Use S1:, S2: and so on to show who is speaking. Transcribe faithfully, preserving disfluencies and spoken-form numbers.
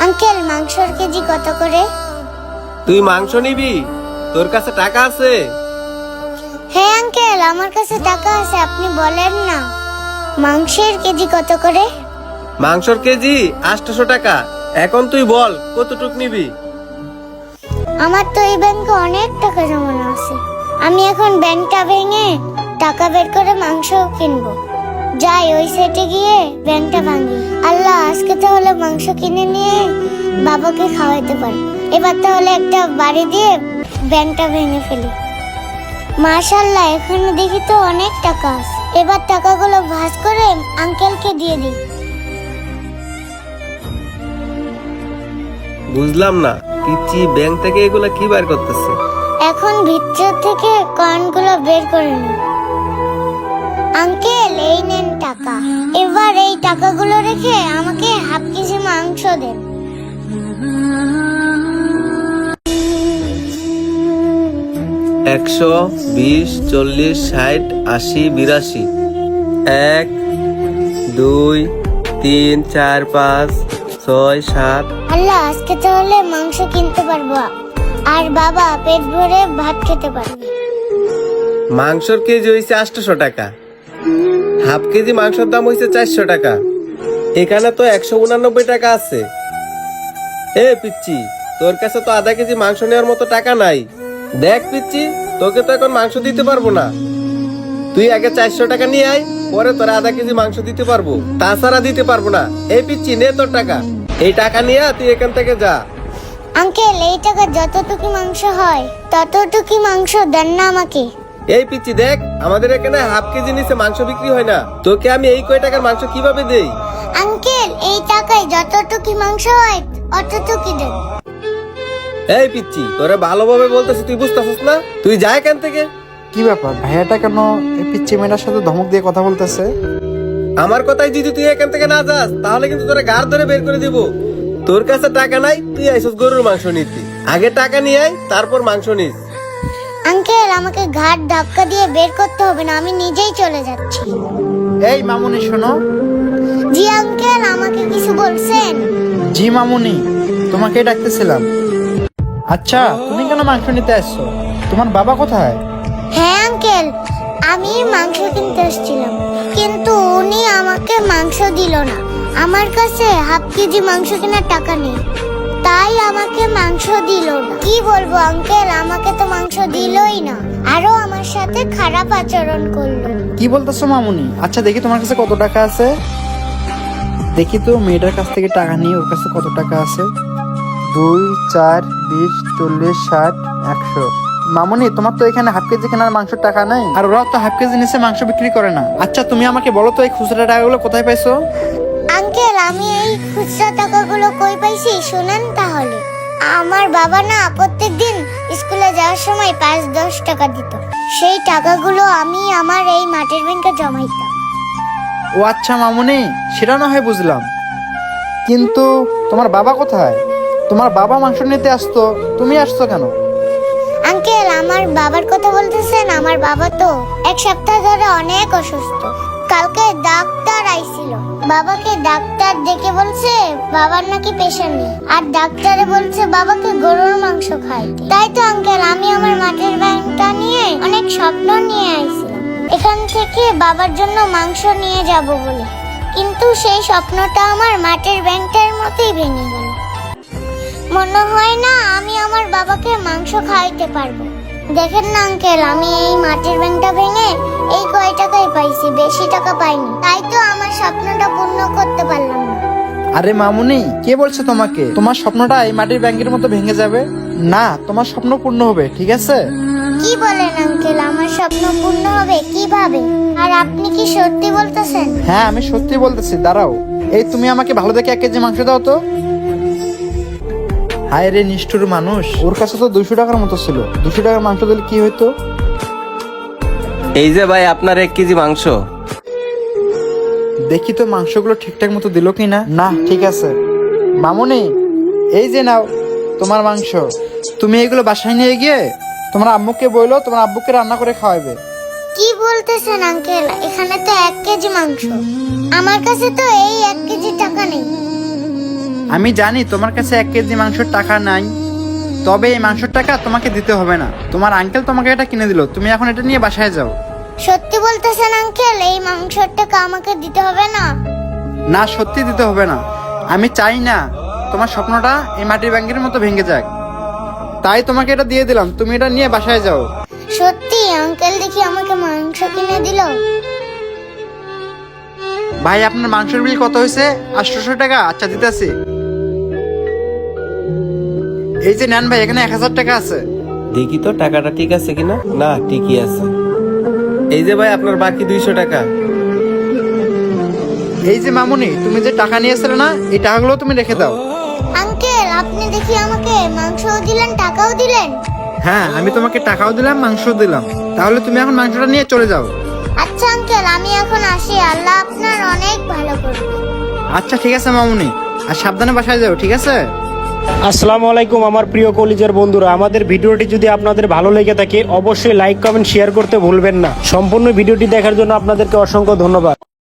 S1: Uncle মাংসর KG কত করে?
S2: তুই মাংস নিবি? তোর কাছে টাকা আছে?
S1: হ্যাঁ আঙ্কেল, আমার কাছে টাকা আছে, আপনি বলেন না। মাংসের কেজি কত করে?
S2: মাংসর কেজি আটশো টাকা। এখন তুই বল কতটুক নিবি?
S1: আমার তো এই ব্যাংকে অনেক টাকা জমানো আছে, আমি এখন ব্যাংকটা ভেঙে টাকা বের করে মাংস কিনবো। যাই ওই সাইডে গিয়ে ব্যাংকটা ভাঙি। আল্লাহ, আজকে তাহলে মাংস কিনে নিয়ে বাবাকে খাওয়াইতে পারি। এবার তাহলে একটা বাড়ি দিয়ে ব্যাংকটা ভেঙে ফেলি। মাশাআল্লাহ, এখানে দেখি তো অনেক টাকা আছে। এবার টাকাগুলো ভাঁজ করে আঙ্কেলকে দিয়ে দিই।
S2: বুঝলাম না, পিচ্ছি ব্যাংক থেকে এগুলা কি বার করতেছে?
S1: এখন ভিতর থেকে কয়েনগুলো বের করে নিই। আঙ্কেল, এই নেন টাকা। এবার এই টাকাগুলো রেখে আমাকে হাফ কেজি মাংস দেন।
S2: একশো বিশ, চল্লিশ, ষাট, আশি, বিরাশি। এক, দুই, তিন, চার, পাঁচ, ছয়, সাত।
S1: আল্লাহ, আজকে তাহলে মাংস কিনতে পারবো আর বাবা পেট ভরে ভাত খেতে পারবে।
S2: মাংসর কেজি হয়েছে আটশো টাকা, হাফ কেজি মাংসের দাম হয়েছে চারশো টাকা। এখানে তো একশো উনানব্বই টাকা আছে। এ পিচ্ছি, তোর কাছে তো আধা কেজি মাংস নেওয়ার মতো টাকা নাই। দেখ পিচ্ছি, তোকে তো এখন মাংস দিতে পারবো না। তুই আগে চারশো টাকা নিয়ে আয়, পরে তোর আধা কেজি মাংস দিতে পারবো, তাছাড়া দিতে পারবো না। এই পিচ্ছি, নে তোর টাকা। এই টাকা নিয়ে তুই এখান থেকে যা।
S1: আঙ্কেল, এই টাকা যতটুকু মাংস হয় ততটুকু মাংস দেন না আমাকে।
S2: এই পিচ্ছি দেখ, আমাদের এখানে হাফ কেজি নিচে মাংস বিক্রি হয় না। তোকে আমি এই কয় টাকার মাংস কিভাবে দেই?
S1: আঙ্কেল, এই টাকায় যতটুকু মাংস হয় অতটুকু দেন।
S2: এই পিচ্ছি, তোরা ভালোভাবে বলতেছি, তুই বুঝতেছিস না? তুই যা এখান থেকে।
S3: কি ব্যাপার, ভাইয়াটা কেন এই পিচ্চি মেয়েটার সাথে ধমক দিয়ে কথা বলতেছে?
S2: আমার কথাই যদি তুই এখান থেকে না যাস, তাহলে কিন্তু তোরা গাড় ধরে বের করে দিব। তোর কাছে টাকা নাই, তুই আইসস গরুর মাংস নিতি। আগে টাকা নিয়ে আয়, তারপর মাংস নিস।
S1: আঙ্কেল, আমাকে ঘাট ধাক্কা দিয়ে বের করতে হবে না, আমি নিজেই চলে যাচ্ছি।
S3: এই মামুনি শোনো।
S1: জি আঙ্কেল, আমাকে কিছু বলছেন?
S3: জি মামুনি, তোমাকে ডাকতেছিলাম। আচ্ছা, তুমি কেন মাংস নিতে আসছো? তোমার বাবা কোথায়?
S1: হ্যাঁ আঙ্কেল, আমি মাংস কিনতে এসেছিলাম, কিন্তু উনি আমাকে মাংস দিল না। আমার কাছে হাফ কেজি মাংস কেনার টাকা নেই, তাই আমাকে মাংস দিল না। কি বলবো আঙ্কেল, আমাকে তো মাংস দিলই না, আরো আমার সাথে খারাপ আচরণ করলো।
S3: কি বলতেছো মামুনি? আচ্ছা দেখি তোমার কাছে কত টাকা আছে। দেখি তো মেয়েটার কাছ থেকে টাকা নিয়ে ওর কাছে কত টাকা আছে। দুই, চার, বিশ, চল্লিশ, ষাট, একশো। মামুনি, তোমার তো এখানে হাফ কেজি কেনার মাংসের টাকা নেই, আর ওরাও তো হাফ কেজি নিচে মাংস বিক্রি করে না। আচ্ছা তুমি আমাকে বলো তো, এই খুচরা টাকাগুলো কোথায় পাইছো?
S1: আঙ্কেল, আমি এই খুচরা টাকাগুলো কই পাইছি শুনেন তাহলে। আমার বাবা না প্রত্যেকদিন স্কুলে যাওয়ার সময় পাঁচ দশ টাকা দিত, সেই টাকাগুলো আমি আমার এই মাটির ব্যাংকে জমাইতাম।
S3: ও আচ্ছা মামুনি, সেটা না হয় বুঝলাম, কিন্তু তোমার বাবা কোথায়? তোমার বাবা মাংস নিতে আসতো, তুমি আসছো কেন?
S1: আঙ্কেল, আমার বাবার কথা বলতেছেন? আমার বাবা তো এক সপ্তাহ ধরে অনেক অসুস্থ। কালকে ডাক্তার আইছিল, বাবাকে ডাক্তার ডেকে বলছে বাবার নাকি প্রেশার নেই, আর ডাক্তারে বলছে বাবাকে গরুর মাংস খাইতে। তাই তো আঙ্কেল, আমি আমার মাটির ব্যাংকটা নিয়ে অনেক স্বপ্ন নিয়ে আইছিলাম এখান থেকে বাবার জন্য মাংস নিয়ে যাব বলে, কিন্তু সেই স্বপ্নটা আমার মাটির ব্যাংকটার মতোই ভেঙে গেল। মনে হয় না আমি আমার বাবাকে মাংস খাওয়াইতে পারবো। দেখেন না আঙ্কেল, আমি এই মাটির ব্যাংকটা ভেঙে এই কয় টাকাই পাইছি, বেশি টাকা পাইনি, তাই তো আমার স্বপ্নটা পূর্ণ করতে পারলাম না।
S3: আরে মামুনি, কে বলছে তোমাকে তোমার স্বপ্নটা এই মাটির ব্যাংকের মতো ভেঙে যাবে? না, তোমার স্বপ্ন পূর্ণ হবে, ঠিক আছে?
S1: কি বলেন আঙ্কেল, আমার স্বপ্ন পূর্ণ হবে কিভাবে? আর আপনি কি সত্যি বলতেছেন?
S3: হ্যাঁ, আমি সত্যি বলতেছি, দাঁড়াও। এই তুমি আমাকে ভালো দেখে এক কেজি মাংস দাও তো। হায় রে নিষ্ঠুর মানুষ, ওর কাছে তো দুশো টাকার মতো ছিল, দুশো টাকার মাংস দিলে কি হইতো?
S2: এই যে ভাই, আপনার এক কেজি মাংস।
S3: দেখি তো মাংসগুলো ঠিকঠাক মতো দিল কিনা। না, ঠিক আছে। মামুনি, এই যে নাও তোমার মাংস। তুমি এগুলো বাসায় নিয়ে গিয়ে তোমার আম্মুকে বললো, তোমার আব্বুকে রান্না করে খাওয়াবে।
S1: কি বলতেছেন আঙ্কেল, এখানে তো এক কেজি মাংস, আমার কাছে তো এই এক কেজি টাকা নেই।
S3: আমি জানি তোমার কাছে এক কেজি মাংসের টাকা নাই, তবে এই মাংসের টাকা তোমাকে দিতে হবে না। তোমার আঙ্কেল তোমাকে এটা কিনে দিল, তুমি এখন এটা নিয়ে বাসায় যাও।
S1: সত্যি বলতেছেন আঙ্কেল, এই মাংসের টাকা আমাকে দিতে হবে না?
S3: না, সত্যি দিতে হবে না। আমি চাই না তোমার স্বপ্নটা এই মাটির ব্যাংকের মতো ভেঙে যাক, তাই তোমাকে এটা দিয়ে দিলাম, তুমি এটা নিয়ে বাসায় যাও।
S1: সত্যি আঙ্কেল দেখি আমাকে মাংস কিনে দিল।
S3: ভাই, আপনার মাংসের বিল কত হয়েছে? আটশোশো টাকা। আচ্ছা, দিতেছি। এই যে নেন ভাই, এখানে এক হাজার টাকা আছে।
S2: দেখি তো টাকাটা ঠিক আছে কিনা। না, ঠিকই আছে। এই যে ভাই আপনার বাকি দুইশো টাকা।
S3: এই যে মামুনি, তুমি যে টাকা নিয়েছিলে না, এই টাকাগুলো তুমি রেখে দাও।
S1: আঙ্কেল আপনি দেখি আমাকে মাংসও দিলেন টাকাও দিলেন।
S3: হ্যাঁ, আমি তোমাকে টাকাও দিলাম, মাংসও দিলাম। তাহলে তুমি এখন মাংসটা নিয়ে চলে যাও।
S1: আচ্ছা আঙ্কেল, আমি এখন আসি। আল্লাহ আপনার অনেক ভালো করবে।
S3: আচ্ছা, ঠিক আছে মামুনি, আর সাবধানে বাসায় যাও, ঠিক আছে?
S4: আসসালামু আলাইকুম আমার প্রিয় কলিজার বন্ধুরা, আমাদের ভিডিওটি যদি আপনাদের ভালো লেগে থাকে অবশ্যই লাইক কমেন্ট শেয়ার করতে ভুলবেন না। সম্পূর্ণ ভিডিওটি দেখার জন্য আপনাদেরকে অসংখ্য ধন্যবাদ।